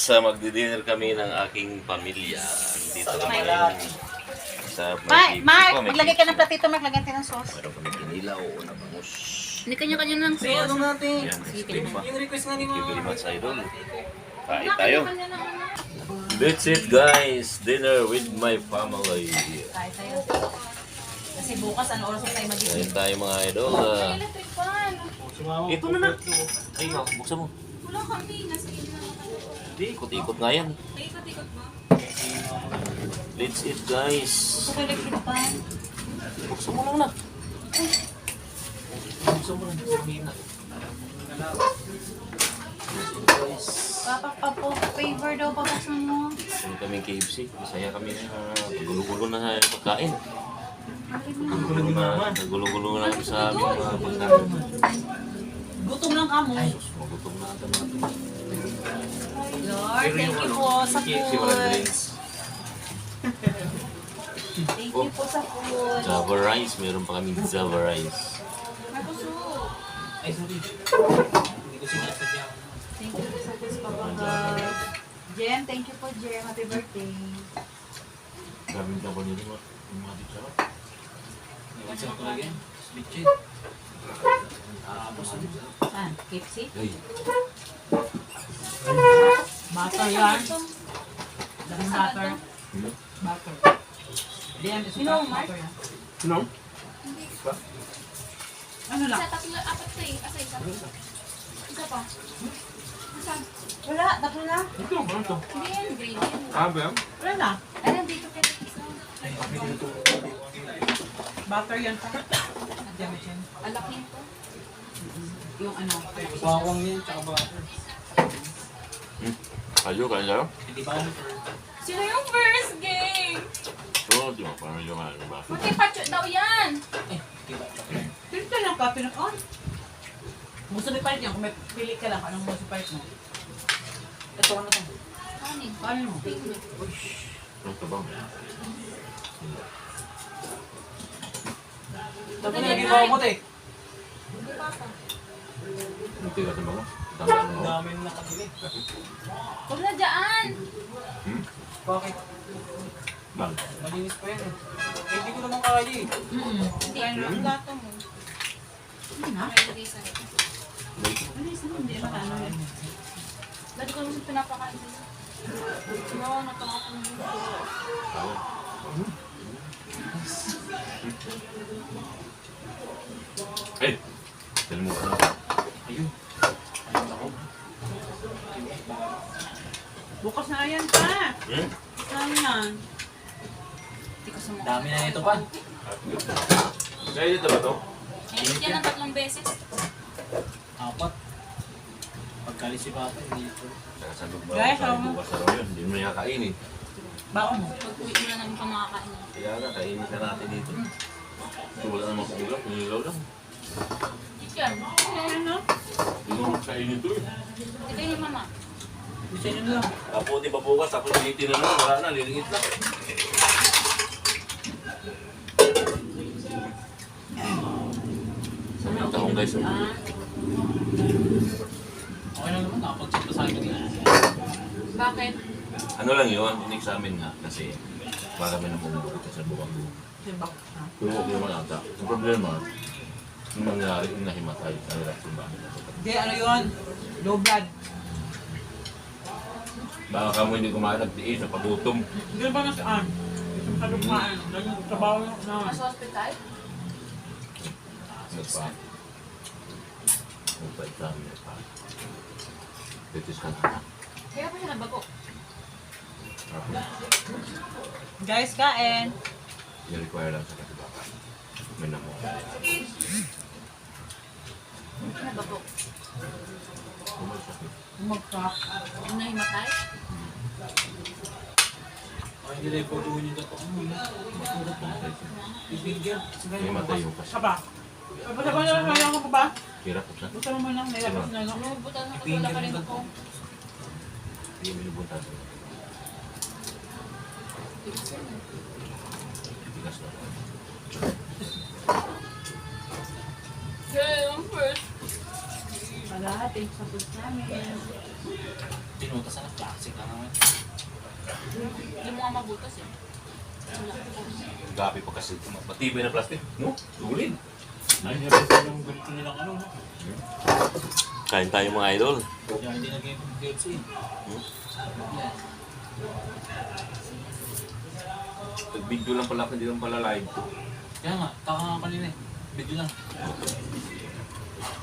magdi-dinner kami ng aking pamilya. Dito kami sa Mark, maglagay ka ng platito, Mark. Lagyan tayo ng sauce. Meron kami kinilaw na bangus. Hindi kanya-kanya ng Sige, ano natin? Yan, Estima. Yung request nga ni Thank you very Mama. much, Idol. Kain tayo. That's it, guys. Dinner with my family. Kaya tayo. Kasi bukas, ano oras tayo mag-isip? Kain tayo, mga idol. Electric fan. Ito na na. Ay, buksan mo. Wala kami. Nasa inyo na kami. Hindi, ikot-ikot nga yan. May ikot-ikot ba? Let's eat, guys. Gusto ko electric fan. Buksan mo lang na. Buksan mo lang. Papa po, favor daw, papaksan mo. Kami kaming KFC. Masaya kami na gulo-gulo na sa pagkain. Nagulo-gulo na kami sa aming mga pagkain. Gutom lang kamo. Magutom na ata natin. Lord, thank you po sa food. Thank you po sa food. Java rice. Meron pa kaming Java rice. Markusok. Ay, sorry. Hindi ko sinasadya. Thank you po sa food, Papa God. Jem, thank you po, Jem. Happy birthday. Daming Java nito mo. Yung mga titsara. Iwan siya ko lagi. Split chick. Ah, KFC? Ay, Butter yan. Daming butter. Butter. Jem, ito Sino, Mark? butter yan. sino? Ano lang? Isa, tatlo, apat na eh. Asa isa? Isa pa. Asa? Wala, tatlo na. Ito, ba ito? Hindi yan, green yan. Ah, ba? Wala na. Ay, nandito ka isa. Butter yan pa. Jem, Jem. Alaki ito. Yung ano. Bawang yan, tsaka butter. Kayo, kain tayo? Hindi ba ano for... Sino yung first game? Oo, di ba? Parang yung ano ba? Magkipacho daw yan. Eh, di ba? Pinto lang ka, pinag-on. Gusto mo palit yan, kung may pili ka lang, anong gusto palit mo? Ito, ano to? Kanin. Kanin mo? Ano ka bang? Tapos nag-ibaw mo, te. Hindi pa pa. Hindi ka sa mga? Dami Ang mo. dami na nakabili. Huwag na dyan. Bakit? Bang. Malinis pa yan eh. Eh, hindi ko naman kaya eh. Hindi. Ang gato mo. Hindi na. May lagay sa ito. Ano isa mo? Hindi naman ano yan. Dati ko naman pinapakain din. Oo, natawa ko ng gusto. Eh! Kalimutan na. Ayun. Bukas na yan pa. Hmm? Saan yan? Hindi ko sumukha. Dami na ito pa. Kaya dito ba ito? Init yan ng 3 beses. Apat. Pagkalis si Papa, hindi ito. Saka sa loob ba? Guys, Sa ano? bukas na raw yun. Hindi mo na kakainin. Bako mo. Pag-uwi mo na namin pa makakain. Kaya nga, kainin na natin dito. Ito wala namang kulang. Nililaw lang. Chicken. Ano? Hindi mo kainin ito eh. Ito yung mama. Gusto nyo lang. Tapos di ba bukas, tapos initin na lang. Wala na, nilingit lang. Ito akong guys. Okay lang naman, nakapag-check pa sa akin eh. Bakit? Ano lang yun, in-examine nga kasi para may namumulog ka sa buwang mo. Diba? Pero okay naman ata. Ang problema, yung nangyari, yung nahimatay, ang reaction ba? Hindi, ano yun? Low blood. Baka ka mo hindi kumain nagtiis sa pagutom. Hindi ba nasaan? Sa lumaan. Nagtrabaho na. Nasa hospital? Nagpa. Nagpa-examine nagpa. Titis ka na. Kaya pa siya nabago. Guys, kain. I-require lang sa katibakan. May namo. Nabago. Kumasakit. Mag-crack. Yung nahimatay? Ay, hindi lang pag-uwi niyo ito. Matulog lang sa isip. Bibigyan. Himatay yung kasi. Saba. Saba na lang. Kaya ko ba? Hirap ko sa. Gusto mo lang. Nilabas na lang. Lumubutan ako. Wala pa rin ako. Hindi mo binubunta sa. Tigas na. Yeah, yung first. Wala, thanks sa food namin. Pinutasan ng plastic na naman. Hindi mo nga mabutas eh. Wala. Gabi pa kasi. Matibay na plastic. No? Tulid. Ay, nire-refer yung ganito nilang ano, no? Kain tayo mga idol. Kaya hindi nag-game ng KFC. Yan. Nag-video lang pala, hindi lang pala live. Kaya nga, taka nga kanina eh. Video lang.